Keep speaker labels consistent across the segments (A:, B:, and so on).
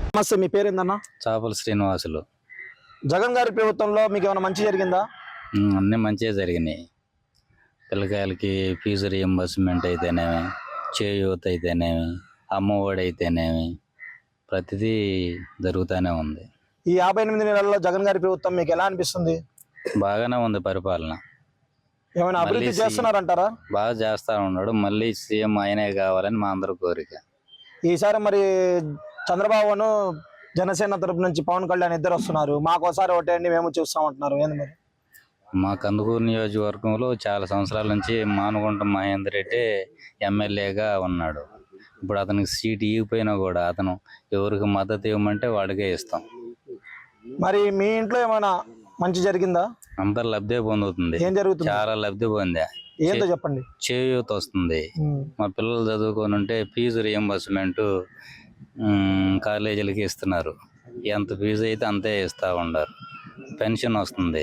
A: నమస్తే, మీ పేరేందన్నా?
B: చాపల శ్రీనివాసులు.
A: జగన్ గారి ప్రభుత్వంలో మీకు ఏమైనా మంచి జరిగిందా?
B: అన్నీ మంచిగా జరిగినాయి. పిల్లకాయలకి ఫీజు రియంబర్స్మెంట్ అయితేనేమి, చేయూత అయితేనేమి, అమ్మఒడి అయితేనేమి, ప్రతిదీ జరుగుతూనే ఉంది.
A: ఈ 58 నెలల్లో జగన్ గారి ప్రభుత్వం మీకు ఎలా అనిపిస్తుంది?
B: బాగానే ఉంది పరిపాలన.
A: ఏమైనా అభివృద్ధి చేస్తున్నారంటారా?
B: బాగా చేస్తా ఉన్నాడు. మళ్ళీ సీఎం ఆయనే కావాలని మా అందరి కోరిక.
A: ఈసారి మరి చంద్రబాబును జనసేన తరపు నుంచి పవన్ కళ్యాణ్ ఇద్దరు వస్తున్నారు, మాకోసారి ఒకటేండి మేము చూస్తామంటున్నారు. ఏంది మరి?
B: మా కందుకూరు నియోజకవర్గంలో చాలా సంవత్సరాల నుంచి మానుగుంట మహేందర్ రెడ్డి ఎమ్మెల్యేగా ఉన్నాడు. ఇప్పుడు అతనికి సీటు ఇవ్వకపోయినా కూడా అతను ఎవరికి మద్దతు ఇవ్వమంటే వాడికే ఇస్తాం.
A: మరి మీ ఇంట్లో ఏమైనా మంచి జరిగిందా?
B: అంతా లబ్ధి పొందుతుంది.
A: ఏం జరుగుతుంది?
B: చాలా లబ్ధి పొందా.
A: ఏంటో చెప్పండి.
B: చేయూత వస్తుంది. మా పిల్లలు చదువుకొని ఉంటే ఫీజు రియంబర్స్మెంట్ కాలేజీలకి ఇస్తున్నారు. ఎంత ఫీజు అయితే అంతే ఇస్తూ ఉన్నారు. పెన్షన్ వస్తుంది.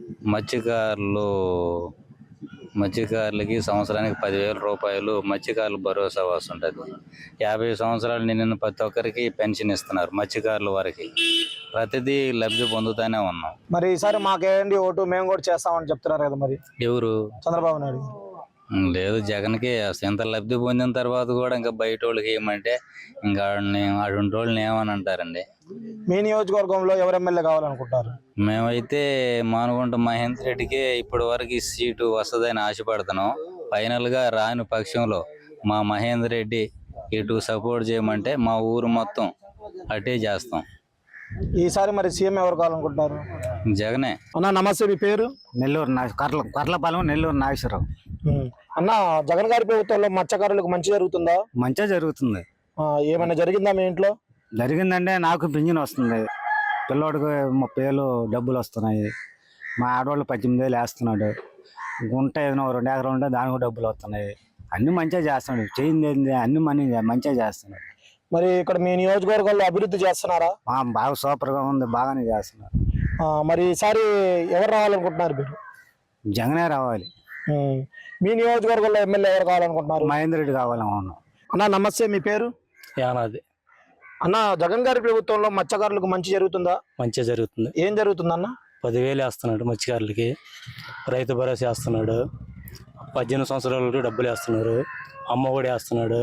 B: మత్స్యకారులకి సంవత్సరానికి 10,000 రూపాయలు మత్స్యకారుల భరోసా వస్తుంటుంది. 50 సంవత్సరాలు నిన్న ప్రతి ఒక్కరికి పెన్షన్ ఇస్తున్నారు. మత్స్యకారుల వారికి ప్రతిదీ లబ్ధి పొందుతూనే ఉన్నాం.
A: మరి ఈసారి మాకేంటి ఓటు మేము కూడా చేస్తామని చెప్తున్నారు కదా, మరి
B: ఎవరు?
A: చంద్రబాబు నాయుడు.
B: లేదు, జగన్కి ఎంత లబ్ధి పొందిన తర్వాత కూడా ఇంకా బయట వాళ్ళకి ఏమంటే ఇంకా అటువంటి వాళ్ళని ఏమని అంటారండి.
A: మీ నియోజకవర్గంలో ఎవరు ఎమ్మెల్యే కావాలనుకుంటారు?
B: మేమైతే మానుగుంట మహేందర్ రెడ్డికి ఇప్పటి వరకు సీటు వస్తుందని ఆశపడుతున్నాం. ఫైనల్ గా రాని పక్షంలో మా మహేందర్ రెడ్డి ఇటు సపోర్ట్ చేయమంటే మా ఊరు మొత్తం అటే చేస్తాం.
A: ఈసారి మరి సీఎం ఎవరు కావాలనుకుంటున్నారు?
B: జగనే.
A: అన్న నమస్తే, మీ పేరు?
C: నెల్లూరు కర్లపాలెం, నెల్లూరు నాగేశ్వరరావు.
A: అన్న, జగన్ గారి ప్రభుత్వంలో మత్స్యకారులకు మంచి జరుగుతుందా?
C: మంచిగా జరుగుతుంది.
A: ఏమైనా జరిగిందా మీ ఇంట్లో?
C: జరిగిందంటే నాకు పింఛన్ వస్తుంది, పిల్లోడికి 30,000 డబ్బులు వస్తున్నాయి, మా ఆడవాళ్ళు 18,000 వేస్తున్నాడు, గుంట ఏదైనా 2 ఎకరాలు ఉంటే దానికి డబ్బులు వస్తున్నాయి. అన్ని మంచిగా చేస్తున్నాడు. చేయింది అన్ని మంచిగా చేస్తున్నాడు.
A: మరి ఇక్కడ మీ నియోజకవర్గంలో అభివృద్ధి చేస్తున్నారా?
C: బాగా సూపర్గా ఉంది, బాగానే చేస్తున్నారు.
A: మరి ఈసారి ఎవరు రావాలనుకుంటున్నారు మీరు?
C: జగనే రావాలి.
A: మీ నియోజకవర్గంలో ఎమ్మెల్యే ఎవరు కావాలనుకుంటున్నారు?
C: మహేందర్ రెడ్డి కావాలనుకున్నాం.
A: అన్న నమస్తే, మీ పేరు?
D: యానాది.
A: అన్న, జగన్ గారి ప్రభుత్వంలో మత్స్యకారులకు మంచి జరుగుతుందా?
D: మంచిగా జరుగుతుంది.
A: ఏం జరుగుతుంది అన్న?
D: 10,000 వేస్తున్నాడు మత్స్యకారులకి, రైతు భరోసా వేస్తున్నాడు, 18 సంవత్సరాలు డబ్బులు వేస్తున్నారు, అమ్మఒడి వేస్తున్నాడు.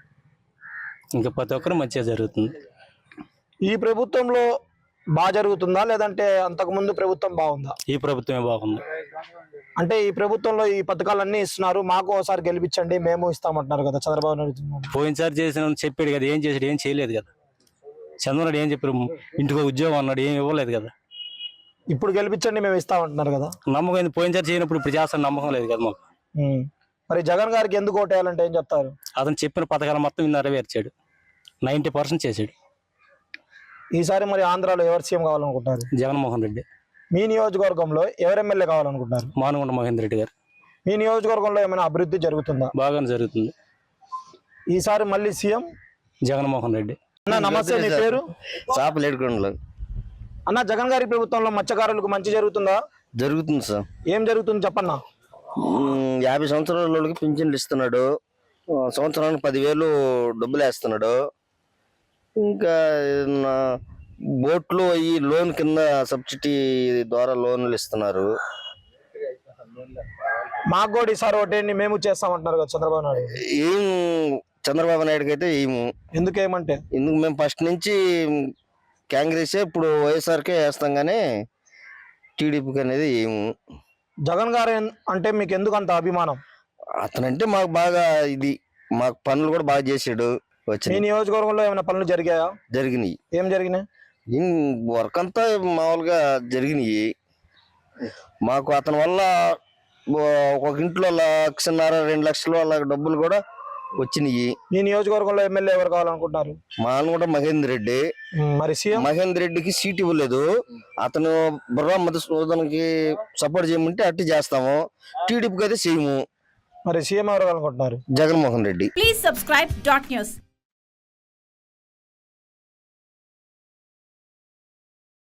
D: ఇంకా ప్రతి ఒక్కరు మంచిగా జరుగుతుంది.
A: ఈ ప్రభుత్వంలో బాగా జరుగుతుందా లేదంటే అంతకు ముందు ప్రభుత్వం బాగుందా?
D: ఈ ప్రభుత్వమే బాగుంది.
A: అంటే ఈ ప్రభుత్వంలో ఈ పథకాలన్నీ ఇస్తున్నారు, మాకు ఒకసారి గెలిపించండి మేము ఇస్తామంటున్నారు కదా చంద్రబాబు నాయుడు.
D: పోయినసారి చేసిన చెప్పాడు కదా, ఏం చేసాడు? ఏం చేయలేదు కదా. చంద్రబాబు ఏం చెప్పారు? ఇంటికి ఉద్యోగం అన్నాడు, ఏం ఇవ్వలేదు కదా.
A: ఇప్పుడు గెలిపించండి మేము ఇస్తామంటున్నారు కదా.
D: నమ్మకం పోయినసారి చేయనప్పుడు ఇప్పుడు చేస్తాను నమ్మకం లేదు కదా మాకు.
A: మరి జగన్ గారికి ఎందుకు ఓటేయాలంటే ఏం చెప్తారు?
D: అతను చెప్పిన పథకాలు మొత్తం నెరవేర్చాడు, 90% చేశాడు.
A: ఈసారి మరి ఆంధ్రాలో ఎవరు సీఎం కావాలనుకుంటారు?
D: జగన్మోహన్ రెడ్డి.
A: మీ నియోజకవర్గంలో ఎవరు ఎమ్మెల్యే కావాలనుకుంటున్నారు?
D: మానుగుంట మహేందర్ రెడ్డి గారు.
A: మీ నియోజకవర్గంలో ఏమైనా అభివృద్ధి జరుగుతుందా?
D: బాగానే జరుగుతుంది.
A: ఈసారి మళ్ళీ సీఎం
D: జగన్మోహన్ రెడ్డి.
A: అన్న నమస్తే, మీ పేరు?
E: చాపలేడుకొండలు.
A: అన్న, జగన్ గారి ప్రభుత్వంలో మత్స్యకారులకు మంచి జరుగుతుందా?
E: జరుగుతుంది సార్.
A: ఏం జరుగుతుంది చెప్పన్నా.
E: 50 సంవత్సరాల వాళ్ళకి పింఛన్లు ఇస్తున్నాడు, సంవత్సరానికి 10,000 డబ్బులు వేస్తున్నాడు. ఇంకా బోట్లు ఈ లోన్ కింద సబ్సిడీ ద్వారా లోన్లు ఇస్తున్నారు.
A: మాకు కూడా ఈసారి ఒకటేండి మేము చేస్తామంటున్నారు కదా చంద్రబాబు నాయుడు.
E: ఏం చంద్రబాబు నాయుడుకి అయితే ఏము.
A: ఎందుకేమంటే
E: మేము ఫస్ట్ నుంచి కాంగ్రెసే, ఇప్పుడు వైఎస్ఆర్కే వేస్తాం కానీ టీడీపీకి అనేది ఏము.
A: జగన్ గారు అంటే మీకు ఎందుకు అంత అభిమానం?
E: అతనంటే మాకు బాగా ఇది, మాకు పనులు కూడా బాగా చేసాడు.
A: మీ నియోజకవర్గంలో ఏమైనా పనులు జరిగాయా?
E: జరిగినాయి.
A: ఏం జరిగినాయి?
E: వర్క్ అంతా మామూలుగా జరిగినాయి. మాకు అతని వల్ల ఒక ఇంట్లో 1,50,000 2 లక్షలు అలా డబ్బులు కూడా వచ్చినాయి.
A: మీ నియోజకవర్గంలో ఎమ్మెల్యే ఎవరు కావాలనుకుంటున్నారు?
E: మానుగుంట మహేందర్ రెడ్డి.
A: మరి సీఎం?
E: మహేందర్ రెడ్డికి సీట్ ఇవ్వలేదు, అతను బుర్రా మధుసూదన్కి సపోర్ట్ చేయమంటే అట్టి చేస్తాము, టీడీపీకి అయితే చేయము.
A: మరి సీఎం ఎవరు కావాలనుకుంటున్నారు?
E: Jaganmohan Reddy.
F: Please subscribe .news.